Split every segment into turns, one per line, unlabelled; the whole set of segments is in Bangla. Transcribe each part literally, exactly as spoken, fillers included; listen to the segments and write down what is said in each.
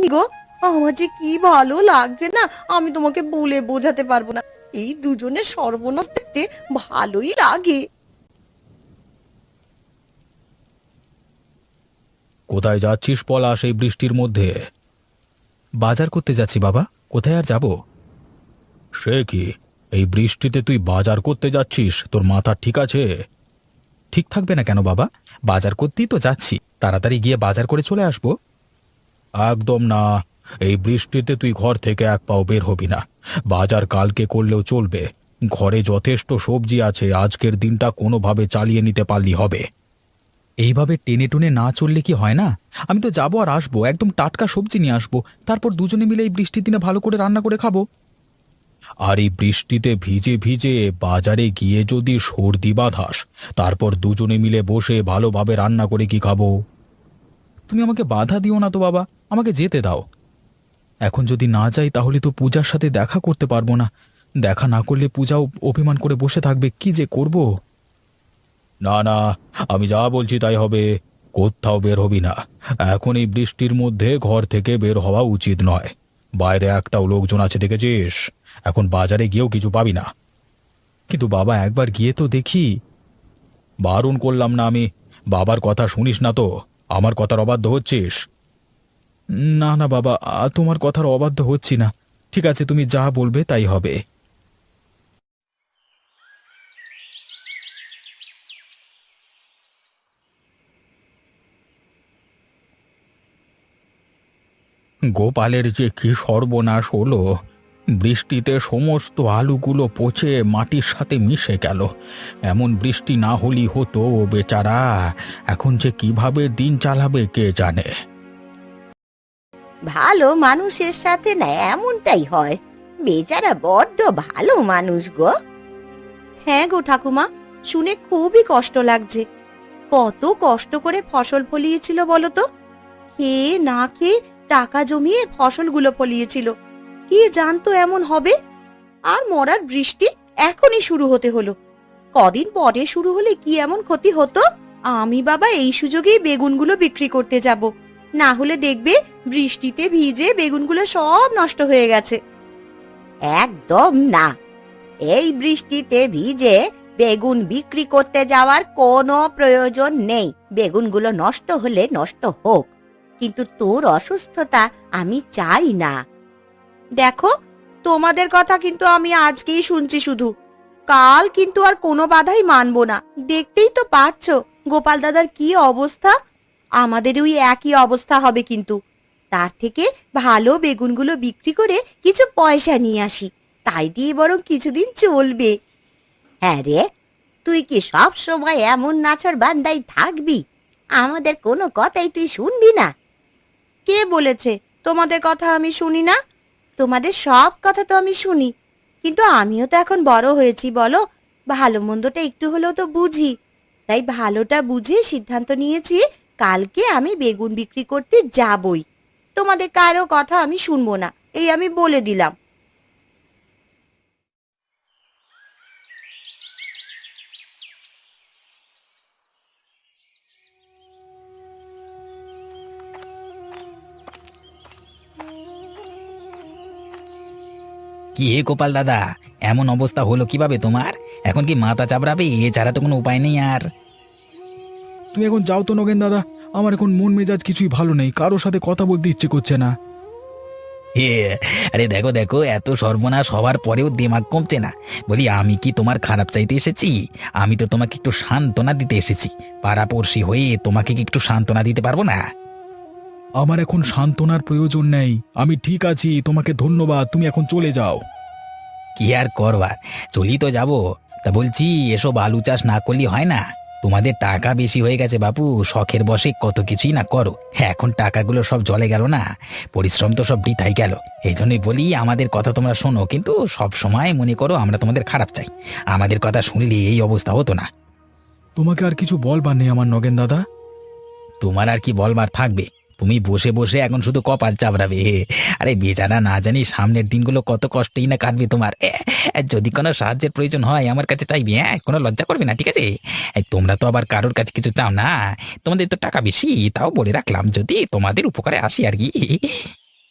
গো, আমার যে কি ভালো লাগছে না, আমি তোমাকে বলে বোঝাতে পারবো না। এই দুজনের সর্বনাশ দেখতে ভালোই লাগে।
কোথায় যাচ্ছিস পলাশ এই বৃষ্টির মধ্যে? বাজার করতে যাচ্ছি বাবা। কোথায় আর যাব? সে কি, এই বৃষ্টিতে তুই বাজার করতে যাচ্ছিস? তোর মাথা ঠিক আছে? ঠিক থাকবে না কেন বাবা? বাজার করতেই তো যাচ্ছি, তাড়াতাড়ি গিয়ে বাজার করে চলে আসবো। একদম না, এই বৃষ্টিতে তুই ঘর থেকে এক পাও বের হবি না। বাজার কালকে করলেও চলবে। ঘরে যথেষ্ট সবজি আছে, আজকের দিনটা কোনোভাবে চালিয়ে নিতে পারলি হবে। এইভাবে টেনে টুনে না চললে কি হয় না? আমি তো যাবো আর আসবো, একদম টাটকা সবজি নিয়ে আসবো, তারপর দুজনে মিলে এই বৃষ্টির দিনে ভালো করে রান্না করে খাবো। আর এই বৃষ্টিতে ভিজে ভিজে বাজারে গিয়ে যদি সর্দি বাঁধাস, তারপর দুজনে মিলে বসে ভালোভাবে রান্না করে কি খাবো? তুমি আমাকে বাধা দিও না তো বাবা, আমাকে যেতে দাও। এখন যদি না যাই তাহলে তো পূজার সাথে দেখা করতে পারবো না। দেখা না করলে পূজাও অভিমান করে বসে থাকবে, কি যে করব। না না, আমি যা বলছি তাই হবে। কোথাও বের হবি না। এখন এই বৃষ্টির মধ্যে ঘর থেকে বের হওয়া উচিত নয়। বাইরে একটাও লোকজন আছে দেখেছিস? এখন বাজারে গিয়েও কিছু পাবি না। কিন্তু বাবা, একবার গিয়ে তো দেখি। বারণ করলাম না আমি? বাবার কথা শুনিস না তো? আমার কথার অবাধ্য হচ্ছিস? না না বাবা, আ, তোমার কথার অবাধ্য হচ্ছি না। ঠিক আছে, তুমি যা বলবে তাই হবে। গোপালের যে কি সর্বনাশ হলো! বৃষ্টিতে সমস্ত আলুগুলো পচে মাটির সাথে মিশে গেল। এমন বৃষ্টি না হলেই হতো, ও বেচারা এখন যে কিভাবে দিন চালাবে কে জানে।
ভালো মানুষের সাথে না এমনটাই হয়। বেচারা বড্ড ভালো মানুষ গো। হ্যাঁ গো ঠাকুমা, শুনে খুবই কষ্ট লাগছে। কত কষ্ট করে ফসল ফলিয়েছিল বলো তো। খেয়ে না খেয়ে টাকা জমিয়ে ফসলগুলো ফলিয়েছিল। কি জানতো এমন হবে? আর মরার বৃষ্টি এখনই শুরু হতে হলো। কদিন পরে শুরু হলে কি এমন ক্ষতি হতো। আমি বাবা এই সুযোগেই বেগুনগুলো বিক্রি করতে যাব, না হলে দেখবে বৃষ্টিতে ভিজে বেগুনগুলো সব নষ্ট হয়ে গেছে। একদম না, এই বৃষ্টিতে ভিজে বেগুন বিক্রি করতে যাওয়ার কোনো প্রয়োজন নেই। বেগুনগুলো নষ্ট হলে নষ্ট হোক, কিন্তু তোর অসুস্থতা আমি চাই না। দেখো, তোমাদের কথা কিন্তু আমি আজকেই শুনছি শুধু, কাল কিন্তু আর কোনো বাধাই মানবো না। দেখতেই তো পারছো গোপাল দাদার কি অবস্থা। আমাদের ওই একই অবস্থা হবে কিন্তু। তার থেকে ভালো বেগুনগুলো বিক্রি করে কিছু পয়সা নিয়ে আসি, তাই দিয়ে বরং কিছুদিন চলবে। হ্যাঁ রে, তুই কি সব সময় এমন নাছর বান্দাই থাকবি? আমাদের কোনো কথাই তুই শুনবি না? কে বলেছে তোমাদের কথা আমি শুনি না? তোমাদের সব কথা তো আমি শুনি, কিন্তু আমিও তো এখন বড় হয়েছি বলো, ভালো মন্দটা একটু হলেও তো বুঝি। তাই ভালোটা বুঝে সিদ্ধান্ত নিয়েছি, কালকে আমি বেগুন বিক্রি করতে যাবই। তোমাদের কারো কথা আমি শুনবো না, এই আমি বলে দিলাম।
কি হে গোপাল দাদা, এমন অবস্থা হলো কিভাবে তোমার? এখন কি মাথা চাপড়াবে? এছাড়া তো কোনো উপায় নেই আর।
তুমি এখন যাও তো নগেন দাদা, আমার এখন মন মেজাজ কিছুই ভালো নেই, কারোর সাথে কথা বলতে ইচ্ছে করছে না।
হে, আরে দেখো দেখো, এত সর্বনাশ হওয়ার পরেও দিমাগ কমছে না। বলি, আমি কি তোমার খারাপ চাইতে এসেছি? আমি তো তোমাকে একটু সান্ত্বনা দিতে এসেছি। পাড়াপড়শি হয়ে তোমাকে কি একটু সান্ত্বনা দিতে পারবো না?
আমার এখন সান্ত্বনার প্রয়োজন নেই, আমি ঠিক আছি। তোমাকে ধন্যবাদ, তুমি এখন চলে যাও।
কি আর করবার, চলি তো যাবো। তা বলছি, এসব আলু চাষ না করলে হয় না? তোমাদের টাকা বেশি হয়ে গেছে বাপু, শখের বশে কত কিছুই না করো। হ্যাঁ, এখন টাকাগুলো সব জলে গেল না, পরিশ্রম তো সব বৃথাই গেল। এই জন্যই বলি, আমাদের কথা তোমরা শোনো, কিন্তু সব সময় মনে করো আমরা তোমাদের খারাপ চাই। আমাদের কথা শুনলে এই অবস্থা হতো না।
তোমাকে আর কিছু বলবার নেই আমার নগেন দাদা।
তোমার আর কি বলবার থাকবে? তুমি বসে বসে এখন শুধু কপাল চাপড়াবে। আরে বেচারা না জানি সামনের দিনগুলো কত কষ্টেই না কাটবে তোমার। এ, এ, যদি কোনো সাহায্যের প্রয়োজন হয় আমার কাছে চাইবে, হ্যাঁ, কোনো লজ্জা করবে না, ঠিক আছে? এ, তোমরা তো আবার কারোর কাছে কিছু চাও না। তোমাদের তো টাকা বেশি, তাও বলে রাখলাম, যদি তোমাদের উপকারে আসি আর কি।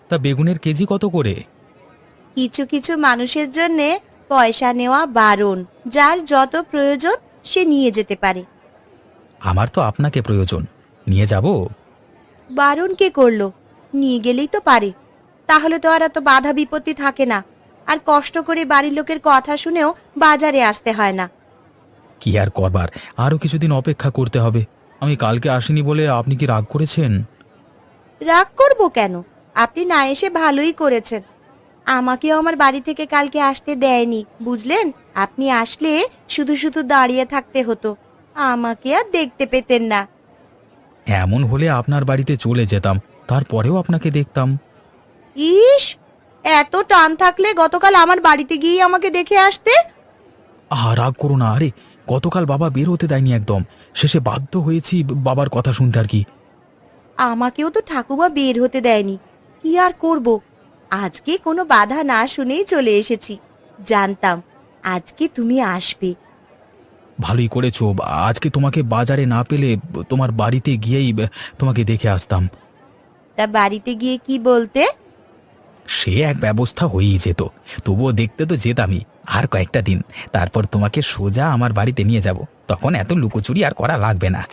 তা বেগুনের কেজি কত করে?
কিছু কিছু মানুষের জন্য পয়সা নেওয়া বারণ, যার যত প্রয়োজন সে নিয়ে যেতে পারে।
আমার তো আপনাকে প্রয়োজন, নিয়ে যাব।
বারণ কে করলো? নিয়ে গেলেই তো পারে। তাহলে তো আর এত বাধা বিপত্তি থাকে না, আর কষ্ট করে বাড়ির লোকের কথা শুনেও বাজারে আসতে হয় না।
কি আর করবার, আরো কিছুদিন অপেক্ষা করতে হবে। আমি কালকে আসিনি বলে আপনি কি রাগ করেছেন?
রাগ করব কেন? আপনি না এসে ভালোই করেছেন। আমাকেও আমার বাড়ি থেকে কালকে আসতে দেয়নি, বুঝলেন? আপনি আসলে শুধু শুধু দাঁড়িয়ে থাকতে হতো, আমাকে আর দেখতে পেতেন না।
এমন হলে আপনার বাড়িতে চলে যেতাম, তারপরেও আপনাকে দেখতাম।
ইস, এত টান থাকলে গতকাল আমার বাড়িতে গিয়ে আমাকে দেখে আসতে।
আহা, রাগ করো না। আরে গতকাল বাবা বের হতে দেয়নি একদম, শেষে বাধ্য হয়েছি বাবার কথা শুনতে আর কি।
আমাকেও তো ঠাকুমা বের হতে দেয়নি, কি আর করব। আজকে কোনো বাধা না শুনেই চলে এসেছি, জানতাম আজকে তুমি আসবে।
ভালোই করেছো, আজকে তোমাকে বাজারে না পেলে তোমার বাড়িতে গিয়েই তোমাকে দেখে আসতাম।
তা বাড়িতে গিয়ে কি বলতে?
সে এক ব্যবস্থা হয়েই যেত, তবুও দেখতে তো যেতামই। আর কয়েকটা দিন, তারপর তোমাকে সোজা আমার বাড়িতে নিয়ে যাব, তখন এত লুকোচুরি আর করা লাগবে না।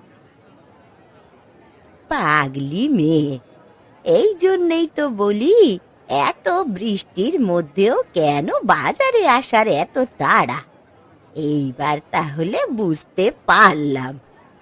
পাগলি মেয়ে, এই জন্যই তো বলি এত বৃষ্টির মধ্যেও কেন বাজারে আসার এত তাড়া। এইবার তাহলে বুঝতে পারলাম।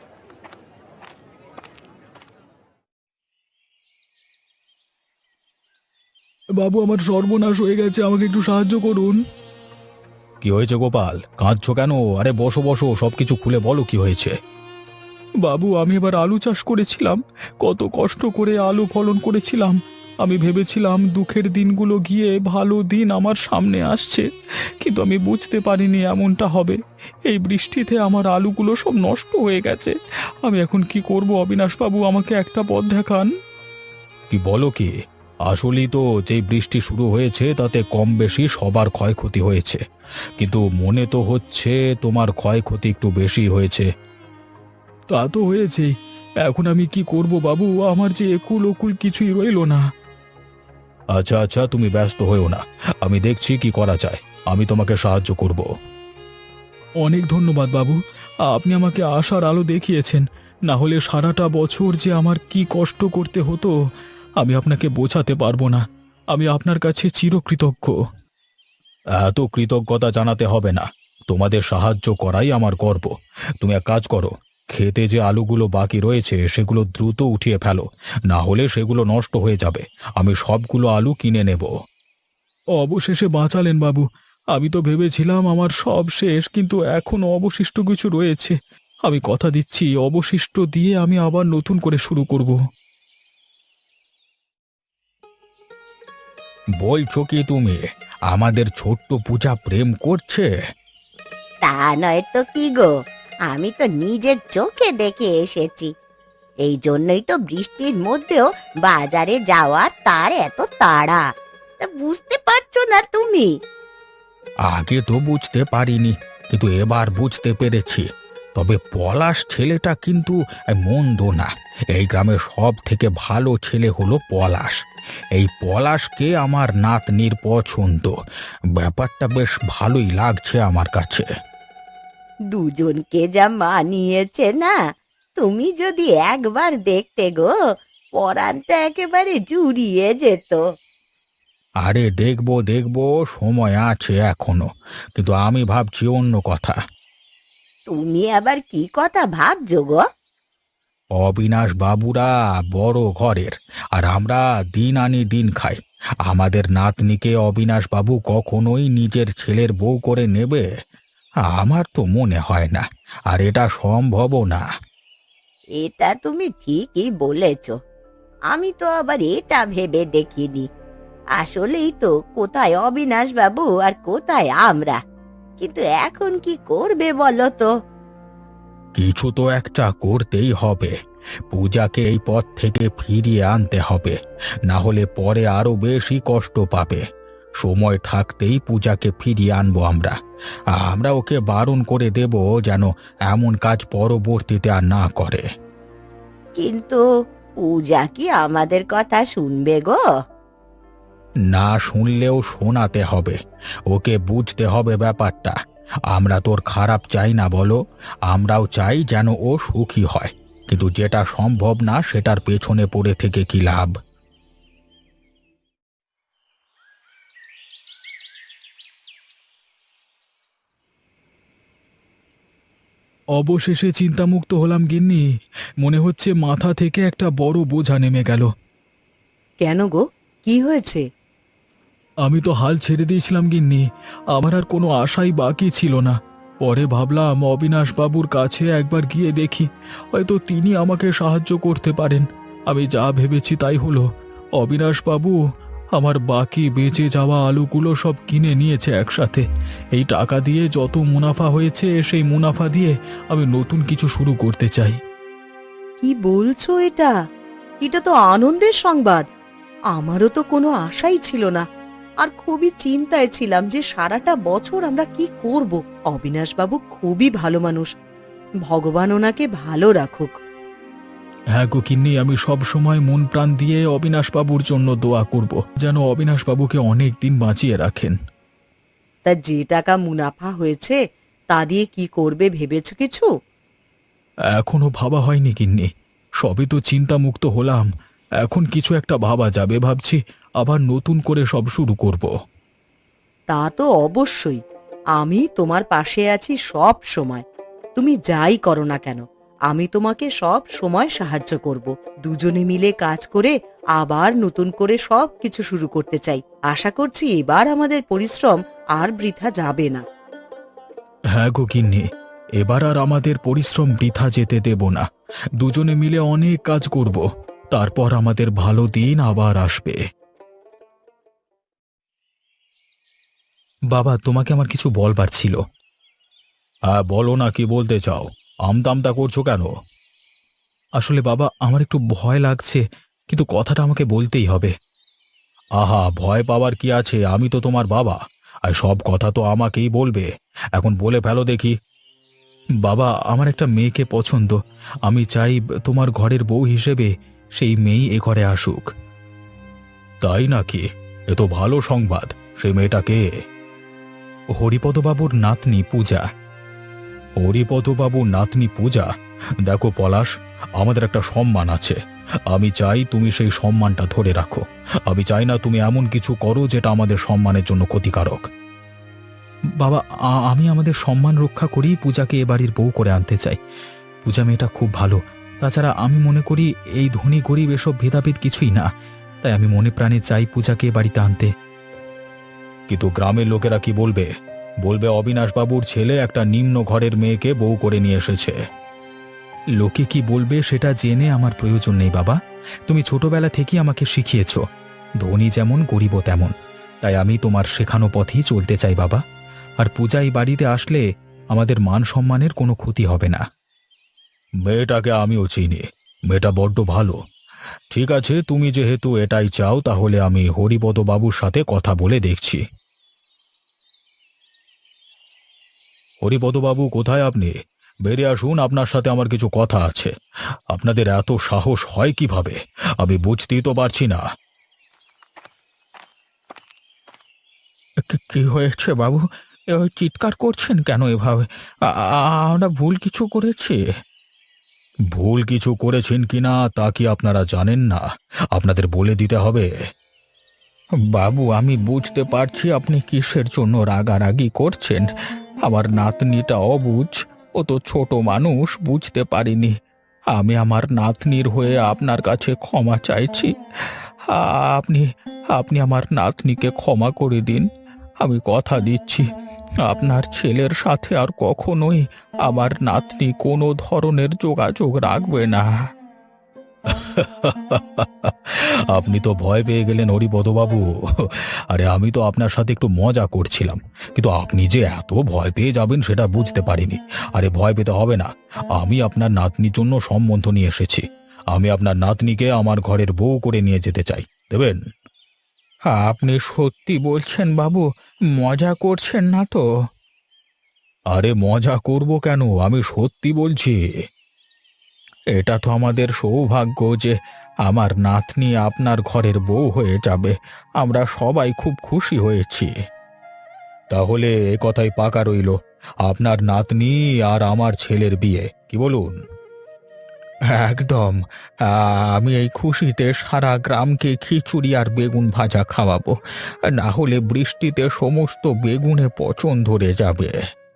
বাবু, আমার সর্বনাশ হয়ে গেছে, আমাকে একটু সাহায্য করুন। কি হয়েছে গোপাল, কাঁদছো কেন? আরে বসো বসো, সবকিছু খুলে বলো কি হয়েছে। বাবু, আমি এবার আলু চাষ করেছিলাম, কত কষ্ট করে আলু ফলন করেছিলাম। আমি ভেবেছিলাম দুঃখের দিনগুলো গিয়ে ভালো দিন আমার সামনে আসছে, কিন্তু আমি বুঝতে পারিনি এমনটা হবে। এই বৃষ্টিতে আমার আলুগুলো সব নষ্ট হয়ে গেছে। আমি এখন কি করব অবিনাশবাবু, আমাকে একটা পথ দেখান। কি বলো কি? আসলেই তো যেই বৃষ্টি শুরু হয়েছে তাতে কম বেশি সবার ক্ষয়ক্ষতি হয়েছে, কিন্তু মনে তো হচ্ছে তোমার ক্ষয়ক্ষতি একটু বেশি হয়েছে। তা তো হয়েছেই, এখন আমি কি করব বাবু, আমার যে একুল ওকুল কিছুই রইলো না। আচ্ছা আচ্ছা, তুমি ব্যস্ত হয়েও না, আমি দেখছি কি করা যায়, আমি তোমাকে সাহায্য করব। অনেক ধন্যবাদ বাবু, আপনি আমাকে আশার আলো দেখিয়েছেন। না হলে সারাটা বছর যে আমার কি কষ্ট করতে হতো আমি আপনাকে বোঝাতে পারবো না। আমি আপনার কাছে চিরকৃতজ্ঞ। এত কৃতজ্ঞতা জানাতে হবে না, তোমাদের সাহায্য করাই আমার গর্ব। তুমি এক কাজ করো, খেতে যে আলুগুলো বাকি রয়েছে সেগুলো দ্রুত উঠিয়ে ফেলো, না হলে সেগুলো নষ্ট হয়ে যাবে। আমি সবগুলো আলু কিনে নেব। অবশেষে বাঁচালেন বাবু, আমি তো ভেবেছিলাম আমার সব শেষ, কিন্তু এখনো অবশিষ্ট কিছু রয়েছে। আমি কথা দিচ্ছি, অবশিষ্ট দিয়ে আমি আবার নতুন করে শুরু করব। বলছো কি তুমি, আমাদের ছোট্ট পূজা প্রেম করছে?
তা নয় তো কি গো, আমি তো নিজের চোখে দেখে এসেছি। এই জন্যই তো বৃষ্টির মধ্যেও বাজারে যাওয়ার তার এত তাড়া। তা বুঝতে পারছো না তুমি?
আগে তো বুঝতে পারিনি, কিন্তু এবার বুঝতে পেরেছি। তবে পলাশ ছেলেটা কিন্তু মন্দ না। এই গ্রামের সব থেকে ভালো ছেলে হলো পলাশ। এই পলাশকে আমার নাতনির পছন্দ। ব্যাপারটা বেশ ভালোই লাগছে আমার কাছে।
দুজনকে যা মানিয়েছে না, তুমি যদি একবার দেখতে গো, পরানটা একেবারে জুড়িয়ে যেত।
আরে দেখবো দেখবো, সময় আছে এখনো, কিন্তু আমি ভাবছি অন্য কথা।
তুমি আবার কি কথা ভাবছো গো?
অবিনাশ বাবুরা বড় ঘরের, আর আমরা দিন আনি দিন খাই। আমাদের নাতনিকে অবিনাশ বাবু কখনোই নিজের ছেলের বউ করে নেবে? আমার তো মনে হয় না, আর এটা সম্ভবও না।
এটা তুমি ঠিকই বলেছ। আমি তো আবার এটা ভেবে দেখিনি। আসলেই তো কোথায় অবিনাশ বাবু আর কোথায় আমরা। কিন্তু এখন কি করবে বলো তো?
কিছু তো একটা করতেই হবে। পূজাকে এই পথ থেকে ফিরিয়ে আনতে হবে, না হলে পরে আরো বেশি কষ্ট পাবে। সময় থাকতেই পূজাকে ফিরিয়ে আনবো আমরা। আমরা ওকে বারণ করে দেব যেন এমন কাজ পরবর্তীতে আর না করে।
কিন্তু পূজা কি আমাদের কথা শুনবে গো?
না শুনলেও শোনাতে হবে, ওকে বুঝতে হবে ব্যাপারটা। আমরা তোর খারাপ চাই না বলো, আমরাও চাই যেন ও সুখী হয়, কিন্তু যেটা সম্ভব না সেটার পেছনে পড়ে থেকে কি লাভ? অবশেষে চিন্তামুক্ত হলাম গিন্নি। মনে হচ্ছে মাথা থেকে একটা বড় বোঝা নেমে গেল।
কেন গো, কি হয়েছে?
আমি তো হাল ছেড়ে দিয়েছিলাম গিন্নি, আমার আর কোনো আশাই বাকি ছিল না। পরে ভাবলাম অবিনাশ বাবুর কাছে একবার গিয়ে দেখি, হয়তো তিনি আমাকে সাহায্য করতে পারেন। আমি যা ভেবেছি তাই হলো। অবিনাশ বাবু আমার বাকি বেঁচে যাওয়া আলুগুলো সব কিনে নিয়েছে একসাথে। এই টাকা দিয়ে যত মুনাফা হয়েছে সেই মুনাফা দিয়ে আমি নতুন কিছু শুরু করতে চাই।
কি বলছো এটা? এটা তো আনন্দের সংবাদ। আমারও তো কোনো আশাই ছিল না, আর খুবই চিন্তায় ছিলাম যে সারাটা বছর আমরা কি করব। অবিনাশবাবু খুবই ভালো মানুষ, ভগবান ওনাকে ভালো রাখুক।
হ্যাঁ গো কিন্নি, আমি সব সময় মন প্রাণ দিয়ে অবিনাশবাবুর জন্য দোয়া করব, যেন অবিনাশবাবুকে অনেক দিন বাঁচিয়ে রাখেন।
তা যে টাকা মুনাফা হয়েছে তা দিয়ে কি করবে ভেবেছো কিছু?
এখনো ভাবা হয়নি গিন্নি, সবই তো চিন্তামুক্ত হলাম। এখন কিছু একটা ভাবা যাবে ভাবছি, আবার নতুন করে সব শুরু করব।
তা তো অবশ্যই, আমি তোমার পাশে আছি সব সময়। তুমি যাই করো না কেন, আমি তোমাকে সব সময় সাহায্য করব। দুজনে মিলে কাজ করে আবার নতুন করে সব কিছু শুরু করতে চাই। আশা করছি এবার আমাদের পরিশ্রম আর বৃথা যাবে না।
হ্যাঁ গো গিন্নি, এবার আর আমাদের পরিশ্রম বৃথা যেতে দেব না। দুজনে মিলে অনেক কাজ করব, তারপর আমাদের ভালো দিন আবার আসবে। বাবা, তোমাকে আমার কিছু বলবার ছিল। হ্যাঁ বলো না, কি বলতে চাও? আমতামতা করছো কেন? আসলে বাবা, আমার একটু ভয় লাগছে, কিন্তু কথাটা আমাকে বলতেই হবে। আহা, ভয় পাওয়ার কি আছে? আমি তো তোমার বাবা, আর সব কথা তো আমাকেই বলবে। এখন বলে ফেলো দেখি। বাবা, আমার একটা মেয়েকে পছন্দ। আমি চাই তোমার ঘরের বউ হিসেবে সেই মেয়েই এ ঘরে আসুক। তাই নাকি? এ তো ভালো সংবাদ। সেই মেয়েটাকে? হরিপদবাবুর নাতনি পূজা। হরিপদবাবুর নাতনি পূজা? দেখো পলাশ, আমাদের একটা সম্মান আছে। আমি চাই তুমি সেই সম্মানটা ধরে রাখো। আমি চাই না তুমি এমন কিছু করো যেটা আমাদের সম্মানের জন্য ক্ষতিকারক। বাবা, আ- আমি আমাদের সম্মান রক্ষা করেই পূজাকে এ বাড়ির বউ করে আনতে চাই। পূজা মেয়েটা খুব ভালো। তাছাড়া আমি মনে করি এই ধনী গরিব এসব ভেদাভেদ কিছুই না। তাই আমি মনে প্রাণে চাই পূজাকে এ বাড়িতে আনতে। কিন্তু গ্রামের লোকেরা কি বলবে? বলবে অবিনাশবাবুর ছেলে একটা নিম্ন ঘরের মেয়েকে বউ করে নিয়ে এসেছে। লোকে কি বলবে সেটা জেনে আমার প্রয়োজন নেই বাবা। তুমি ছোটবেলা থেকেই আমাকে শিখিয়েছ, ধনী যেমন গরিবও তেমন। তাই আমি তোমার শেখানো পথেই চলতে চাই বাবা। আর পূজা এই বাড়িতে আসলে আমাদের মান সম্মানের কোনো ক্ষতি হবে না। মেয়েটাকে আমিও চিনি, মেয়েটা বড্ড ভালো। ঠিক আছে, তুমি যেহেতু এটাই চাও, তাহলে আমি হরিপদ বাবুর সাথে কথা বলে দেখছি। হরিপদবাবু, কোথায় আপনি? বেরিয়ে আসুন, আপনার সাথে আমার কিছু কথা আছে। আপনাদের এত সাহস হয় কিভাবে? আমি বুঝতেই তো পারছি না। কি- কি হয়েছে বাবু? এভাবে চিৎকার করছেন কেন এভাবে? আ- আ- আমরা ভুল কিছু করেছি? ভুল কিছু করেছেন কিনা তা কি আপনারা জানেন না? আপনাদের বলে দিতে হবে। বাবু, আমি বুঝতে পারছি আপনি কিসের জন্য রাগারাগি করছেন। আমার নাতনিটা অবুঝ, ও তো ছোট মানুষ, বুঝতে পারিনি। আমি আমার নাতনির হয়ে আপনার কাছে ক্ষমা চাইছি। আ- আপনি আপনি আমার নাতনিকে ক্ষমা করে দিন। আমি কথা দিচ্ছি, আপনার ছেলের সাথে আর কখনোই আমার নাতনি কোনো ধরনের যোগাযোগ রাখবে না। আপনি তো ভয় পেয়ে গেলেন হরিপদবাবু। আরে আমি তো আপনার সাথে একটু মজা করছিলাম, কিন্তু আপনি যে এত ভয় পেয়ে যাবেন সেটা বুঝতে পারিনি। আরে ভয় পেতে হবে না, আমি আপনার নাতনির জন্য সম্বন্ধ নিয়ে এসেছি। আমি আপনার নাতনিকে আমার ঘরের বউ করে নিয়ে যেতে চাই, দেবেন? আপনি সত্যি বলছেন বাবু? মজা করছেন না তো? আরে মজা করব কেন, আমি সত্যি বলছি। এটা তো আমাদের সৌভাগ্য যে আমার নাতনি আপনার ঘরের বউ হয়ে যাবে। আমরা সবাই খুব খুশি হয়েছি। তাহলে এ কথাই পাকা রইল, আপনার নাতনি আর আমার ছেলের বিয়ে, কি বলুন? একদম। আ, আমি এই খুশিতে সারা গ্রামকে খিচুড়ি আর বেগুন ভাজা খাওয়াবো, না হলে বৃষ্টিতে সমস্ত বেগুনে পচন ধরে যাবে।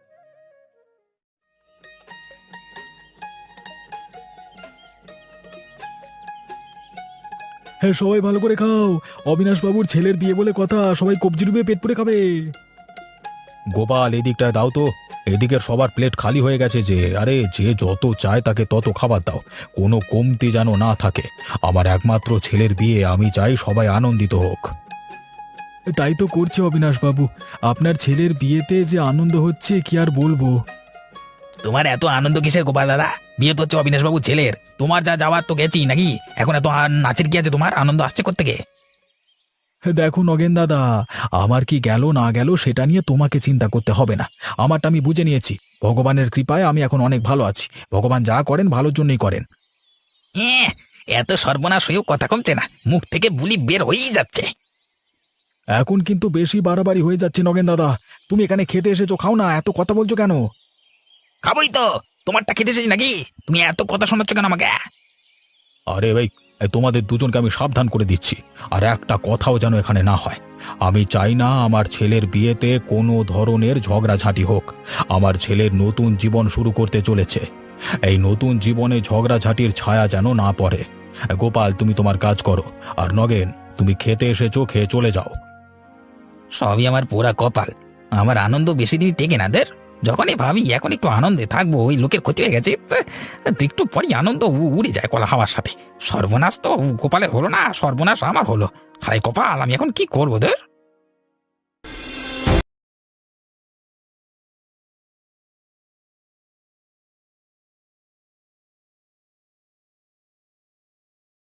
হ্যাঁ, সবাই ভালো করে খাও। অবিনাশ বাবুর ছেলের বিয়ে বলে কথা, সবাই কবজি ডুবিয়ে পেট পুরে খাবে। গোপাল, এদিকটা দাও তো। এদিকের সবার প্লেট খালি হয়ে গেছে যে। আরে, যে যত চায় তাকে তত খাবার দাও, কোনো কমতি যেন না থাকে। আমার একমাত্র ছেলের বিয়ে, আমি চাই সবাই আনন্দিত হোক। তাই তো করছে অবিনাশ বাবু, আপনার ছেলের বিয়েতে যে আনন্দ হচ্ছে কি আর বলবো।
তোমার এত আনন্দ কিসের গোপাল দাদা? বিয়ে তো হচ্ছে অবিনাশ বাবুর ছেলের, তোমার যা যাওয়ার তো গেছি নাকি? এখন এত আ- নাচের কি আছে? তোমার আনন্দ আসছে কোত্থেকে?
দেখো নগেন দাদা, আমার কি গেল না গেল সেটা নিয়ে তোমাকে চিন্তা করতে হবে না। আমারটা আমি বুঝে নিয়েছি। ভগবানের কৃপায় আমি এখন অনেক ভালো আছি। ভগবান যা করেন ভালোর জন্যই করেন।
এ্যাঁ, এত সর্বনাশ হয়েও কথা কমছে না, মুখ থেকে বুলি বের হয়েই যাচ্ছে।
এখন কিন্তু বেশি বাড়াবাড়ি হয়ে যাচ্ছে নগেন দাদা। তুমি এখানে খেতে এসেছো, খাও না, এত কথা বলছো কেন?
খাবোই তো, তোমারটা খেতে এসেছি নাকি? তুমি এত কথা শোনাচ্ছ কেন আমাকে?
আরে ভাই, এই তোমাদের দুজনকে আমি সাবধান করে দিচ্ছি, আর একটা কথাও যেন এখানে না হয়। আমি চাই না আমার ছেলের বিয়েতে কোনো ধরনের ঝগড়াঝাঁটি হোক। আমার ছেলের নতুন জীবন শুরু করতে চলেছে, এই নতুন জীবনে ঝগড়াঝাঁটির ছায়া যেন না পড়ে। গোপাল, তুমি তোমার কাজ করো, আর নগেন, তুমি খেতে এসেছো, খেয়ে চলে যাও।
সবই আমার পোড়া কপাল, আমার আনন্দ বেশি দিন টেকে না দের। যখনই ভাবি এখন একটু আনন্দে থাকবো, ওই লোকের ক্ষতি হয়ে গেছে, তো একটু পরই আনন্দ উ- উড়ে যায় কলা হাওয়ার সাথে। সর্বনাশ তো গোপালের হলো না, সর্বনাশ আমার হলো। হায় কপাল, আমি এখন কি করবো দের?